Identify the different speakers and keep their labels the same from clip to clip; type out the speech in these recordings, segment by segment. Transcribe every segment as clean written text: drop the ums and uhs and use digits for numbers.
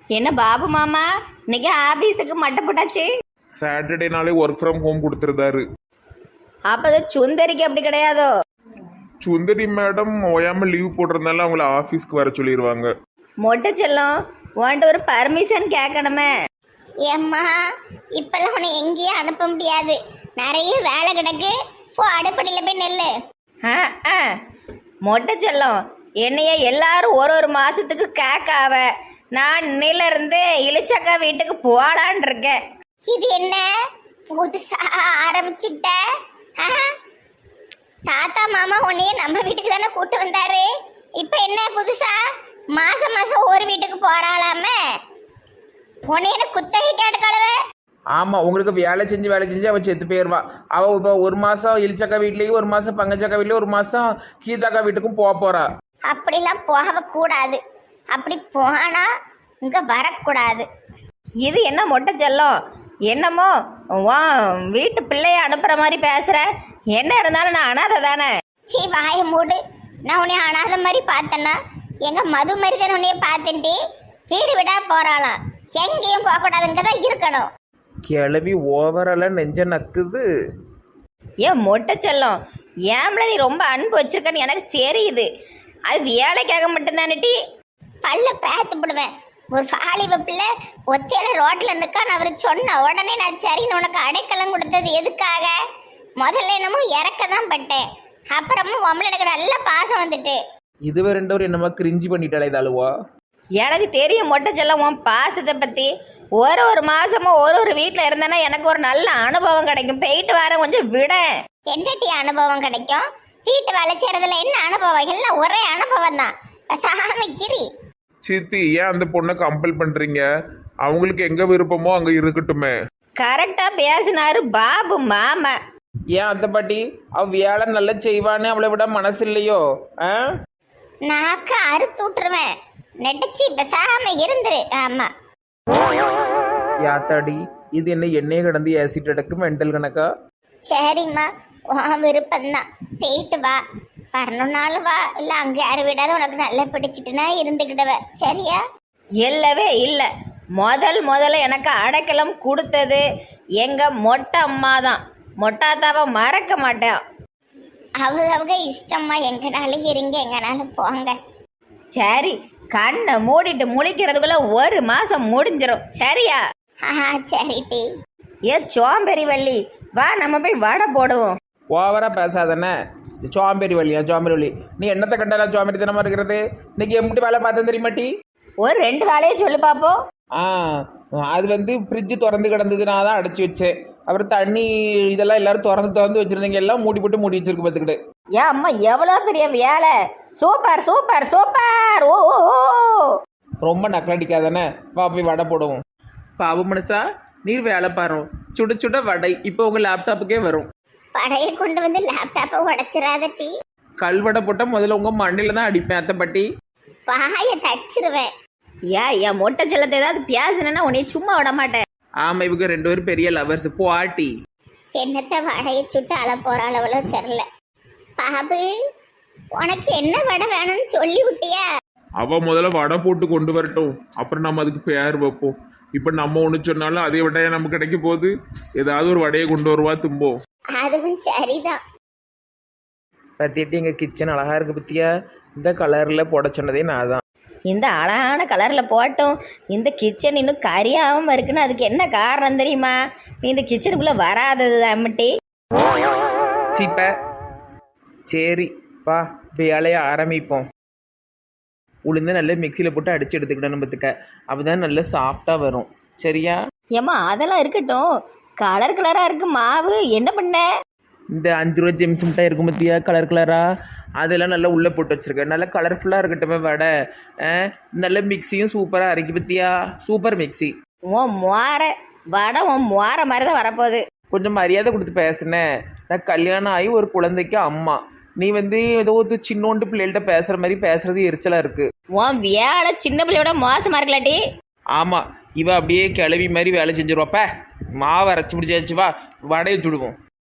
Speaker 1: என்ன பாபு மாமா இன்னைக்கு ஆபீஸுக்கு மட்டை போட்டாச்சு.
Speaker 2: சாட்டர்டே நாளே ஒர்க் ஃப்ரம் ஹோம் கொடுத்துருந்தாரு.
Speaker 1: அப்போ சுந்தரிக்கு அப்படி கிடையாதோ?
Speaker 2: சுந்தரி மேடம் ஓயாம லீவ் போட்டிருந்தாலும் அவங்கள ஆஃபீஸ்க்கு வர சொல்லிடுவாங்க.
Speaker 1: மொட்டை செல்லம் உன்ட்டு ஒரு பர்மிஷன் கேட்கணுமே.
Speaker 3: ஏம்மா இப்பெல்லாம் உன்னை எங்கேயும் அனுப்ப முடியாது, நிறைய வேலை கிடக்கு. போ அடுப்படியில் போய் நெல்லு.
Speaker 1: ஆ ஆ மொட்டை செல்லம் என்னைய எல்லாரும் ஒரு ஒரு மாசத்துக்கு கேட்காவ. நான் இன்னிலிருந்து இளிச்சக்கா வீட்டுக்கு போகலான் இருக்கேன்.
Speaker 3: இது என்ன புதுசா ஆரம்பிச்சுட்ட? தாத்தா மாமா உன்னைய நம்ம வீட்டுக்கு தானே கூட்டு வந்தாரு, இப்ப என்ன புதுசா மாசம் மாசம் ஒரு வீட்டுக்கு போறாளாமே? உன்னைய என்ன குத்தகை கேட்டுக்கலவ?
Speaker 4: ஆமாம், உங்களுக்கு வேலை செஞ்சு அவள் செத்து போயிடுவா. அவள் இப்போ ஒரு மாதம் இளிச்சக்கா வீட்லேயும் ஒரு மாதம் பங்கச்சக்கா வீட்லேயும் ஒரு மாதம் கீதாக்கா வீட்டுக்கும் போகிறா.
Speaker 3: அப்படிலாம் போக கூடாது, அப்படி போனா இங்க வரக்கூடாது.
Speaker 1: இது என்ன மொட்டை செல்லம், என்னமோ வீட்டு பிள்ளைய அனுப்புற மாதிரி பேசுற. என்ன இருந்தாலும் நான் அனாதை தானே.
Speaker 3: சீ வாய மூடு. நான் உன்னைய அனாத மாதிரி பார்த்தேன்னா எங்க மது மாதிரி தானே உன்னைய பார்த்துட்டு வீடு விடா போறாளாம். எங்கேயும் போகக்கூடாதுங்க தான் இருக்கணும்.
Speaker 4: கிளவி ஓவரெல்லாம் நெஞ்ச நக்குது.
Speaker 1: ஏன் மொட்டை செல்லம், ஏம்ல நீ ரொம்ப அன்பு வச்சிருக்கன்னு எனக்கு தெரியுது. அது வேலைக்காக மட்டும்தானே.
Speaker 3: பல்ல பேத்து விடுவேன். ஒரு வாலிப பிள்ளை ஒத்தையில ரோட்ல நிற்கான்னு அவர் சொன்ன உடனே நான் சரின்னு உனக்கு அடைக்கலம் கொடுத்தது எதுக்காக? முதல்ல என்னமோ இறக்க தான் பட்டேன், அப்புறமும் உம்மள எனக்கு நல்ல பாசம் வந்துட்டு.
Speaker 4: இதுவே ரெண்டவர் என்னமா கிரிஞ்சி பண்ணிட்டாலே இதாளுவா.
Speaker 1: எனக்கு தெரியும் மொட்டை செல்லம் உன் பாசத்தை பற்றி. ஒரு ஒரு மாதமும் ஒரு ஒரு வீட்டில் இருந்தேன்னா எனக்கு ஒரு நல்ல அனுபவம் கிடைக்கும். போயிட்டு வர கொஞ்சம் விட.
Speaker 3: என்னட்டி அனுபவம் கிடைக்கும்? வீட்டு வேலை செய்யறதுல என்ன அனுபவம்? எல்லாம் ஒரே அனுபவம் தான். சாமிக்கிரி
Speaker 2: சித்தி, ஏன் அந்த பொண்ணை கம்பல் பண்றீங்க? அவங்களுக்கு எங்க விருப்பமோ அங்க இருக்கட்டுமே.
Speaker 1: கரெக்டா பேசினாரு பாபு மாமா.
Speaker 4: ஏன் அந்த பாட்டி அவள் வேலை நல்லா செய்வான்னு அவளை விட மனசு இல்லையோ?
Speaker 3: நாக்க அறுத்து விட்டுருவேன். நெட்டச்சி பேசாம இருந்துரு. ஆமா
Speaker 4: யாத்தாடி, இது என்ன எண்ணெயை கிடந்து ஏசிட்டு எடுக்கு மெண்டல் கணக்கா?
Speaker 3: சரிம்மா, உன் விருப்பம்தான். போயிட்டு வா, வரணும்னாலும் வா, இல்லை அங்கே யாரும் விடாத உனக்கு நல்லா பிடிச்சிட்டுனா இருந்துக்கிட்டவ. சரியா?
Speaker 1: இல்லவே இல்லை. முதல்ல எனக்கு அடைக்கலம் கொடுத்தது எங்க மொட்டை அம்மா தான். மொட்டாத்தாவை மறக்க மாட்டேன்.
Speaker 3: அவங்க இஷ்டம்மா, எங்கனாலும் இருங்க, எங்கனாலும் போங்க.
Speaker 1: சரி, கண்ணை மூடிட்டு முழிக்கிறதுக்குள்ள ஒரு மாசம் முடிஞ்சிடும். சரியா?
Speaker 3: சரி டி.
Speaker 1: ஏ சோம்பேறி வள்ளி, வா நம்ம போய் வடை போடுவோம்.
Speaker 4: ஓவரா பேசாதானே. சோம்பேறி வழி. நீ என்னத்தை கண்டாலா சோம்பேறி தினமா இருக்கிறது? இன்னைக்கு எப்படி வேலை பார்த்தேன் தெரியுமாட்டி?
Speaker 1: ஒரு 2 வேலையை சொல்லு பாப்போம்.
Speaker 4: அது வந்து ஃப்ரிட்ஜு திறந்து கிடந்தது, நான் தான் அடைச்சி வச்சேன். அப்புறம் தண்ணி இதெல்லாம் எல்லாரும் திறந்து வச்சிருந்தீங்க, எல்லாம் மூடி போட்டு மூடி வச்சிருக்கு பார்த்துக்கிட்டு.
Speaker 1: ஏன் அம்மா எவ்வளோ பெரிய வேலை. Super super super. ஓ
Speaker 4: ரொம்ப நக்கலடிக்காதானே. வா போய் வடை போடுவோம். பாபு மனசா, நீர் வேலை பாரு. சுட சுட வடை இப்போ உங்கள் லேப்டாப்புக்கே வரும்.
Speaker 3: வடையை கொண்டு வந்து லேப்டாப்பை உடைச்சிடாத டி.
Speaker 4: கல்வடை போட்டால் முதல்ல உங்கள் மண்ணில் தான் அடிப்பேன் அத்தை பாட்டி.
Speaker 3: வாயை தச்சிருவேன்.
Speaker 1: என் மொட்டை செல்லத்தை ஏதாவது பேசுனேன்னா உன்னை சும்மா விட மாட்டேன்.
Speaker 4: ஆமாம், இவங்க 2 பேரும் பெரிய லவர்ஸ். போட்டி
Speaker 3: என்னத்தை வடையை சுட்டு அழ போற அளவுல தெரில. பாபு, உனக்கு என்ன வடை வேணும்னு சொல்லி விட்டியா?
Speaker 2: அவ முதல்ல வடை போட்டு கொண்டு வரட்டும், அப்புறம் நம்ம அதுக்கு பேர் வைப்போம். இப்ப நம்ம ஒண்ணு சொன்னாலும் அதே வடையா நமக்கு கிடைக்க போகுது. ஏதாவது ஒரு வடையை கொண்டு வருவா தும்போம்.
Speaker 3: அதுவும் சரிதான்.
Speaker 4: பத்திட்டு எங்கள் கிச்சன் அழகா இருக்கு பத்தியா? இந்த கலரில் போட சொன்னதே நான் தான்.
Speaker 1: இந்த அழகான கலரில் போட்டோம். இந்த கிச்சன் இன்னும் கரியாகவும் இருக்குன்னு அதுக்கு என்ன காரணம் தெரியுமா? நீ இந்த கிச்சனுக்குள்ளே வராதது அம்மட்டி.
Speaker 4: சீப்ப சரி பா, வேலையை ஆரம்பிப்போம். உளுந்து நல்லா மிக்சியில் போட்டு அடித்து எடுத்துக்கிட்டோம் பத்துக்க. அப்போ தான் நல்லா சாஃப்டாக வரும். சரியா?
Speaker 1: ஏம்மா அதெல்லாம் இருக்கட்டும், கலர் கலராக இருக்கு மாவு. என்ன பண்ண?
Speaker 4: இந்த 5 ரூபா ஜெம்ஸ் மிட்டாய் இருக்கும் பத்தியா, கலராக அதெல்லாம் நல்லா உள்ளே போட்டு வச்சுருக்கேன். நல்லா கலர்ஃபுல்லாக இருக்கட்டுமே வடை. நல்ல மிக்சியும் சூப்பராக அரைக்கி பத்தியா. Super mixie.
Speaker 1: உன் மோர வடை உன் மோர மாதிரி தான் வரப்போகுது.
Speaker 4: கொஞ்சம் மரியாதை கொடுத்து பேசுனேன். நான் கல்யாணம் ஆகி ஒரு குழந்தைக்கு அம்மா. நீ வந்து ஏதோ ஒரு சின்னோண்டு பிள்ளைகள்கிட்ட பேசுகிற மாதிரி பேசுறது எரிச்சலாக இருக்குது.
Speaker 1: உன் வேலை சின்ன பிள்ளையோட மோசமாக இருக்கலாட்டி.
Speaker 4: ஆமாம், இவ அப்படியே கிளவி மாதிரி வேலை செஞ்சிருவாப்ப. மாவை அரைச்சி பிடிச்சாச்சு, வா வடையை சுடுவோம்.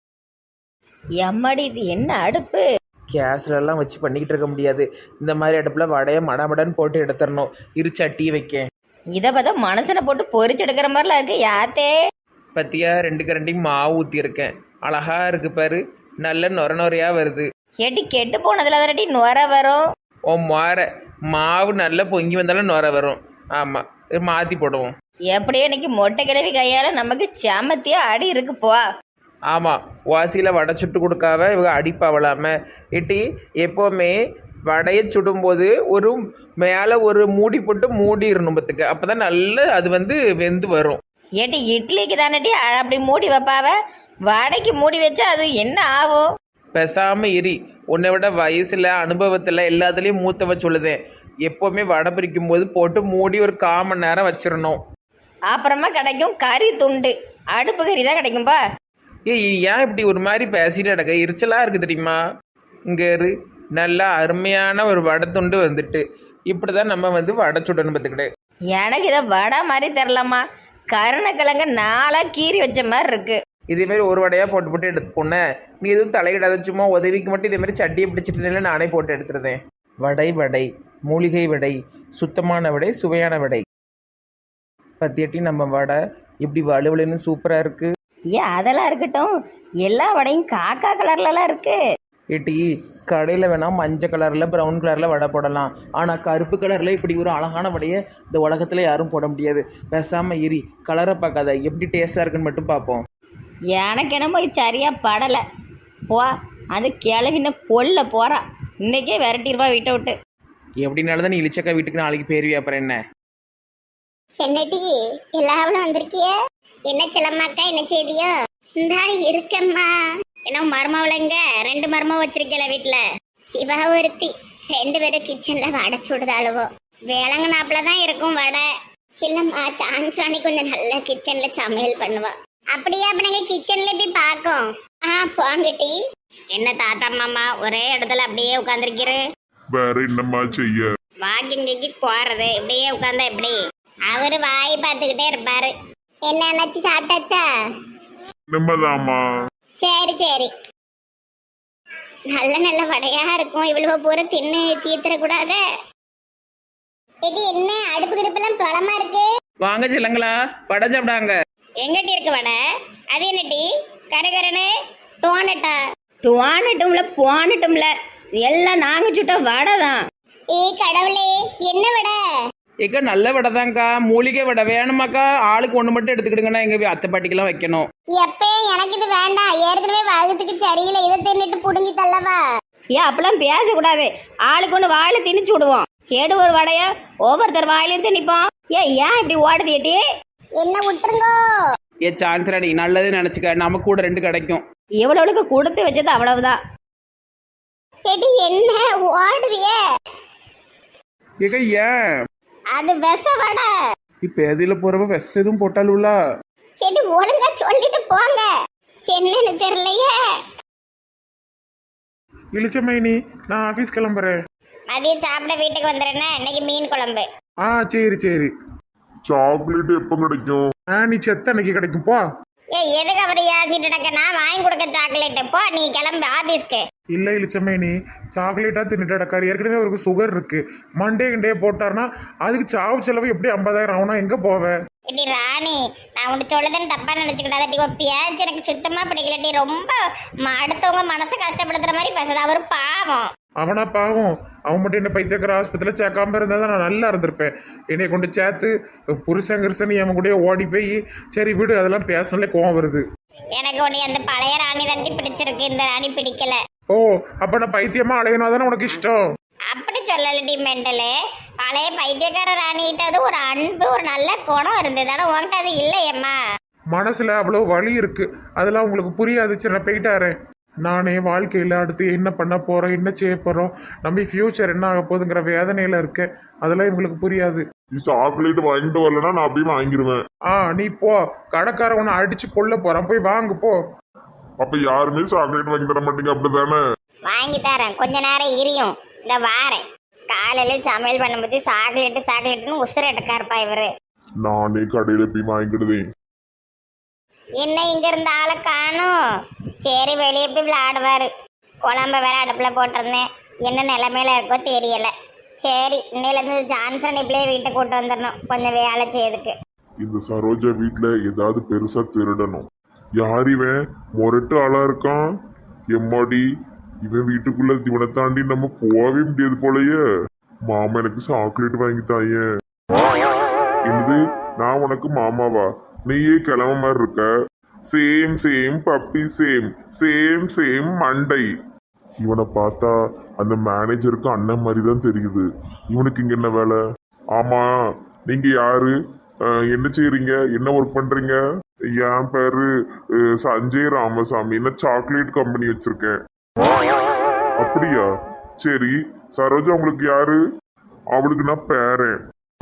Speaker 1: எம்மாடி இது என்ன அடுப்பு?
Speaker 4: கேஸ்லெல்லாம் வச்சு பண்ணிக்கிட்டு இருக்க முடியாது. இந்த மாதிரி அடுப்பில் வடையை மடமடன்னு போட்டு எடுத்துடணும். சட்டியை வைக்க.
Speaker 1: இதை பார்த்தா மனுஷனை போட்டு பொரிச்செடுக்கிற மாதிரிலாம் இருக்கு யாத்தே.
Speaker 4: பத்தியா 2 கரண்டி மாவு ஊற்றிருக்கேன். அழகா இருக்கு பாரு, நல்ல நொர நொறையா வருது.
Speaker 1: கேட்டி கெட்டு போனதுல தானட்டி நுர வரும்.
Speaker 4: ஓ மாவு நல்லா பொங்கி வந்தாலும் நொர வரும். ஆமாம், மாற்றி போடுவோம்.
Speaker 1: எப்படியோ இன்னைக்கு மொட்டை கிழவி கையால் நமக்கு செமத்தியா அடி இருக்கு போ.
Speaker 4: ஆமாம், வாசியில் வடை சுட்டு கொடுக்காம இவங்க அடிப்பாவலாம. இட்டி எப்போவுமே வடையை சுடும்போது ஒரு மேலே ஒரு மூடி போட்டு மூடிடணும் பத்துக்கு. அப்போ தான் நல்ல அது வெந்து வரும்.
Speaker 1: ஏட்டி இட்லிக்கு தானட்டி அப்படி மூடி வைப்பாவ, வடைக்கு மூடி வச்சா அது என்ன ஆகும்?
Speaker 4: பேசாமல் இரி. உன்னை விட வயசில் அனுபவத்தில் எல்லாத்துலேயும் மூத்தவ சொல்லுதேன். எப்போவுமே வடை பிரிக்கும் போது போட்டு மூடி ஒரு 1/4 மணி நேரம் வச்சிடணும்.
Speaker 1: அப்புறமா கிடைக்கும் கறி துண்டு, அடுப்பு கறி தான் கிடைக்கும்பா.
Speaker 4: ஏன் இப்படி ஒரு மாதிரி பேசிட்டு கிடக்க? எரிச்சலாக இருக்குது தெரியுமா? இங்கே நல்லா அருமையான ஒரு வடை துண்டு வந்துட்டு இப்படி தான் நம்ம வடை சுடணும் பார்த்துக்கிட்டே.
Speaker 1: எனக்கு இதை வடை மாதிரி தெரிலம்மா, கருணக்கிழங்க நாளாக கீறி வச்ச மாதிரி இருக்கு.
Speaker 4: இதேமாரி ஒரு வடையாக போட்டு போட்டு எடுத்து போனேன். நீ எதுவும் தலையிடாத, சும்மா உதவிக்கு மட்டும் இதேமாரி சட்டியை பிடிச்சிட்டு நானே போட்டு எடுத்துருந்தேன். வடை மூலிகை வடை, சுத்தமான வடை, சுவையான வடை. பத்தியட்டி நம்ம வடை இப்படி வலுவலுன்னு சூப்பராக இருக்குது.
Speaker 1: அதெல்லாம் இருக்கட்டும், எல்லா வடையும் காக்கா கலர்லலாம் இருக்கு.
Speaker 4: ஏட்டி கடையில் வேணால் மஞ்சள் கலரில் ப்ரௌன் கலரில் வடை போடலாம். ஆனால் கருப்பு கலரில் இப்படி ஒரு அழகான வடையை இந்த உலகத்தில் யாரும் போட முடியாது. பேசாமல் இரி, கலரை பார்க்காத, எப்படி டேஸ்ட்டாக இருக்குன்னு மட்டும் பார்ப்போம்.
Speaker 1: எனக்கு என்னமோ இது சரியா படலை போ. அது கிளவின கொல்ல போறா, இன்னைக்கே விரட்டிடுவா வீட்டை விட்டு.
Speaker 4: எப்படினால தான் நீ இளிச்சக்கா வீட்டுக்கு நாளைக்கு பேருவியா? அப்புறம் என்ன
Speaker 3: சென்னட்டி எல்லாவளும் வந்திருக்கிய? என்ன செல்லம்மாக்கா, என்ன செய்தியோ? இந்தா இருக்கம்மா. என்ன மருமவளைங்க 2 மருமவ வச்சிருக்கல வீட்டுல? சிவா ஒருத்தி, 2 பேரும் கிச்சன்ல வடை சுடுதாளுவோ. வேளங்கனாப்புல தான் இருக்கும் வடை. இல்லம்மா, சான்ஸ் ராணி கொஞ்சம் நல்ல கிச்சன்ல சமையல் பண்ணுவா. அப்படியே அப்படிங்க கிச்சன்ல போய் பார்க்கும். போங்கட்டி. என்ன தாத்தா மாமா ஒரே இடத்துல அப்படியே உட்காந்துருக்கிறேன்?
Speaker 2: வேற என்னம்மா செய்ய?
Speaker 3: வாக்கிங்கைக்கு போறது, இப்படியே உட்காந்தா எப்படி? அவரு வாய் பார்த்துக்கிட்டே இருப்பாரு. என்ன என்னாச்சு, சாப்பிட்டாச்சா?
Speaker 2: நிம்மதாமா.
Speaker 3: சரி சரி. நல்ல நல்ல வடையா இருக்கும், இவ்வளவு பூரா தின்னு தீத்துற கூடாத. எடி என்ன அடுப்பு கிடுப்பெல்லாம் பழமா இருக்கு?
Speaker 4: வாங்க செல்லங்களா, வடை சாப்பிடாங்க.
Speaker 3: எங்கட்டி இருக்கு வடை? அது என்னட்டி கரகரனு டோனட்டா?
Speaker 1: டுவானட்டும்ல போனட்டும்ல, எல்லாம் நாங்க சுட்ட வடை தான்.
Speaker 3: கடவுளே, என்ன வடை?
Speaker 4: ஏக்கா நல்ல வடை தான்க்கா, மூலிகை வடை வேணுமாக்கா? ஆளுக்கு 1 மட்டும் எடுத்துக்கிடுங்கண்ணா, எங்கள் அத்தை பாட்டிக்கெல்லாம் வைக்கணும்.
Speaker 3: எப்பே எனக்கு இது வேண்டாம், ஏற்கனவே வகுத்துக்கு சரியில்லை, இதை தின்னுட்டு புடுங்கி தள்ளவா?
Speaker 1: அப்பெல்லாம் பேசக்கூடாது, ஆளுக்கு ஒன்று வாயில திணிச்சு விடுவோம். கேடு ஒரு வடைய ஒவ்வொருத்தர் வாயிலையும் திணிப்போம். ஏன் இப்படி ஓடுது ஏட்டி?
Speaker 3: என்ன விட்டுருங்கோ.
Speaker 4: சான்ஸ்ராணி நல்லது நினச்சிக்க, நமக்கு கூட 2 கிடைக்கும்.
Speaker 1: இவ்வளவுக்கு கொடுத்து வச்சது அவ்வளவுதான்.
Speaker 3: ஏடி என்ன ஓடுறியே?
Speaker 4: ஏக்கா ஏன்?
Speaker 3: அது விஷ வடை.
Speaker 2: இப்ப எதில போறவ வெஸ்ட் எதுவும் போட்டாலும்ல?
Speaker 3: சரி ஒழுங்கா சொல்லிட்டு போங்க, என்னன்னு தெரியலையே.
Speaker 2: இளிச்சமைனி, நான் ஆபீஸ் கிளம்புறேன்.
Speaker 3: மதியம் சாப்பிட வீட்டுக்கு வந்துடுறேன்னா, இன்னைக்கு மீன் குழம்பு.
Speaker 2: சரி. சாக்லேட் எப்போ கிடைக்கும்? நீ செத்த அன்னைக்கு கிடைக்கும் போ.
Speaker 3: எதுக்கு அவர் யாசிட்டு நடக்க? நான் வாங்கி கொடுக்க சாக்லேட். போ நீ கிளம்பு ஆபீஸ்க்கு.
Speaker 2: இல்லை இளிச்சமைனி, சாக்லேட்டா தின்னுட்டு நடக்காரு. ஏற்கனவே அவருக்கு சுகர் இருக்கு. மண்டே கிண்டே போட்டார்னா அதுக்கு சாவு செலவு எப்படி 50,000 ஆகுனா எங்க போவேன்?
Speaker 3: டி ராணி, நான் உன்னை சொல்லுதுன்னு தப்பா நினைச்சுக்கிட்டாத. பேச்சு எனக்கு சுத்தமா பிடிக்கலட்டி. ரொம்ப அடுத்தவங்க மனசை கஷ்டப்படுத்துற மாதிரி பேசுறது. அவர் பாவம்.
Speaker 2: அவனா பாவம்? அவன் மட்டும் என்ன பைத்தியக்கார ஆஸ்பத்திரியில் சேர்க்காம இருந்தா தான் நான் நல்லா இருந்திருப்பேன். என்னை கொண்டு சேர்த்து புருஷன் கிருஷ்ணன் அவன் கூட ஓடி போய் சரி விடு, அதெல்லாம் பேசலே கோவம் வருது.
Speaker 3: எனக்கு உன்னை அந்த பழைய ராணி தண்டி பிடிச்சிருக்கு, இந்த ராணி பிடிக்கல.
Speaker 2: ஓ, அப்ப நான் பைத்தியமா அலையணும் தானே உனக்கு இஷ்டம்?
Speaker 3: அப்படி சொல்லலடி மெண்டலு. பழைய பைத்தியக்கார ராணிகிட்ட ஒரு அன்பு, ஒரு நல்ல குணம் இருந்தது. ஆனால் உங்ககிட்ட அது இல்லையம்மா.
Speaker 2: மனசுல அவ்வளவு வலி இருக்கு, அதெல்லாம் உங்களுக்கு புரியாது. சரி நான் போயிட்டாரேன். நானே வாழ்க்கையில் அடுத்து என்ன பண்ண போகிறோம், என்ன செய்ய போகிறோம், நம்ம ஃப்யூச்சர் என்ன ஆக போகுதுங்கிற வேதனையில் இருக்கேன். அதெல்லாம் இவங்களுக்கு புரியாது.
Speaker 5: நீ சாக்லேட் வாங்கிட்டு வரலன்னா நான் அப்படியே வாங்கிடுவேன்.
Speaker 2: நீ போ, கடைக்கார உன்னை அடிச்சு கொல்ல போறான், போய் வாங்கு போ.
Speaker 5: அப்ப யாருமே சாக்லேட் வாங்கி தர மாட்டீங்க அப்படிதானே?
Speaker 3: வாங்கி தரேன், கொஞ்ச நேரம் இரியும். இந்த வாரேன். காலையில சமையல் பண்ணும்போது சாக்லேட்டுன்னு உசுர எடுக்காருப்பா இவரு.
Speaker 5: நானே கடையில போய் வாங்கிடுவேன்.
Speaker 3: என்ன இங்க இருந்த ஆளை காணும்? சரி வெளியே போய் விளையாடுவாரு. குழம்ப வேற அடுப்புல போட்டிருந்தேன், என்ன நிலைமையில இருக்கோ தெரியல. சரி இன்னையிலேருந்து ஜான்சன் இப்படியே வீட்டை கூட்டு வந்துடணும் கொஞ்சம் வேலை செய்யறதுக்கு.
Speaker 5: இந்த சரோஜா வீட்டில் ஏதாவது பெருசா திருடணும். யார் இவன் முரட்டு ஆளா இருக்கான்? எம்மாடி, இவன் வீட்டுக்குள்ள இவனை தாண்டி நம்ம போகவே முடியாது போலயே. மாமா எனக்கு சாக்லேட் வாங்கி தாயே. என்னது, நான் உனக்கு மாமாவா? நீயே கிளம்ப மாதிரி இருக்க. Same same puppy same same same மண்டை. இவனை பார்த்தா அந்த மேனேஜருக்கு அண்ணன் மாதிரி தான் தெரியுது. இவனுக்கு இங்க என்ன வேலை? ஆமா, நீங்க யாரு? என்ன செய்றீங்க? என்ன ஒர்க் பண்றீங்க? என் பேரு சஞ்சய் ராமசாமி. என்ன சாக்லேட் கம்பெனி வச்சிருக்கேன். அப்படியா? சரி, சரோஜா உங்களுக்கு யாரு? அவளுக்கு நான் பேரன்.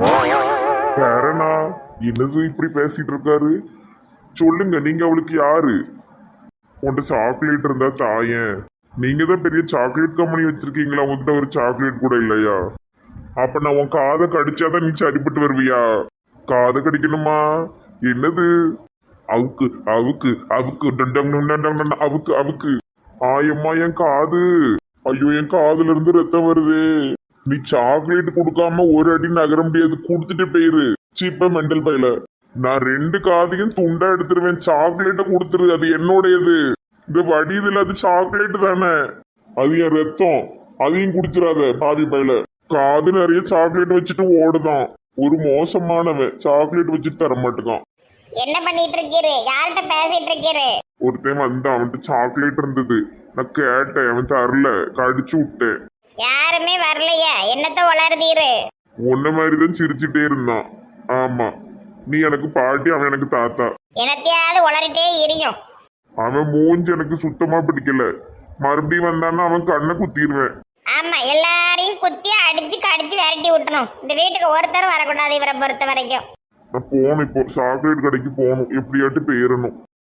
Speaker 5: பேரனா? என்னது இப்படி பேசிட்டு இருக்காரு? சொல்லுங்க, நீங்க அவளுக்கு யாரு? உன்கிட்ட சாக்லேட் இருந்தா தாயேன். நீங்க தான் பெரிய சாக்லேட் கம்பெனி வச்சிருக்கீங்களா? உங்ககிட்ட ஒரு சாக்லேட் கூட இல்லையா? அப்ப நான் உன் காதை கடிச்சாதான் நீ சரிப்பட்டு வருவியா? காதை கடிக்கணுமா? என்னது? அவுக்கு அவுக்கு அவுக்கு அவுக்கு அவுக்கு. ஆயம்மா, என் காது. ஐயோ, என் காதுல இருந்து ரத்தம் வருது. நீ சாக்லேட் கொடுக்காம ஒரு அடி நகர முடியாது. கொடுத்துட்டு போயிரு. சீப்பா மெண்டல் பையில. நான் 2 காதையும் துண்டா எடுத்துருவேன். சாக்லேட்டை கொடுத்துரு, அது என்னோடையது. இந்த வடிதுல அது சாக்லேட் தானே, அது என் ரத்தம். அதையும் குடிச்சிடாத பாதி பையில. காது நிறைய சாக்லேட் வச்சுட்டு ஓடுதான். ஒரு மோசமானவன், சாக்லேட் வச்சுட்டு தர மாட்டேங்கான்.
Speaker 3: என்ன பண்ணிட்டு இருக்கீரு? யார்கிட்ட பேசிட்டு இருக்கீரு?
Speaker 5: ஒருத்தன் வந்து அவன்கிட்ட சாக்லேட் இருந்தது. நான் கேட்டேன், அவன் தரல, கடிச்சு விட்டேன்.
Speaker 3: யாருமே வரலையா? என்னத்த வளருதீரு?
Speaker 5: உன்ன மாதிரிதான் சிரிச்சுட்டே இருந்தான். ஆமா, நீ எனக்கு பாட்டி, அவன் எனக்கு தாத்தா.
Speaker 3: என்னத்தையாவது உளறிட்டே எரியும்.
Speaker 5: அவன் மூஞ்சி எனக்கு சுத்தமா பிடிக்கல. மறுபடியும் வந்தான்னா அவன் கண்ணை குத்திடுவேன்.
Speaker 3: ஆமா, எல்லாரையும் குத்தி அடிச்சு கடிச்சு விரட்டி விட்டணும். இந்த வீட்டுக்கு ஒருத்தரும் வரக்கூடாது இவரை பொறுத்த வரைக்கும்.
Speaker 5: நான் போகணும், இப்போ சாக்லேட் கடைக்கு போகணும். எப்படியாட்டு போயிடணும்.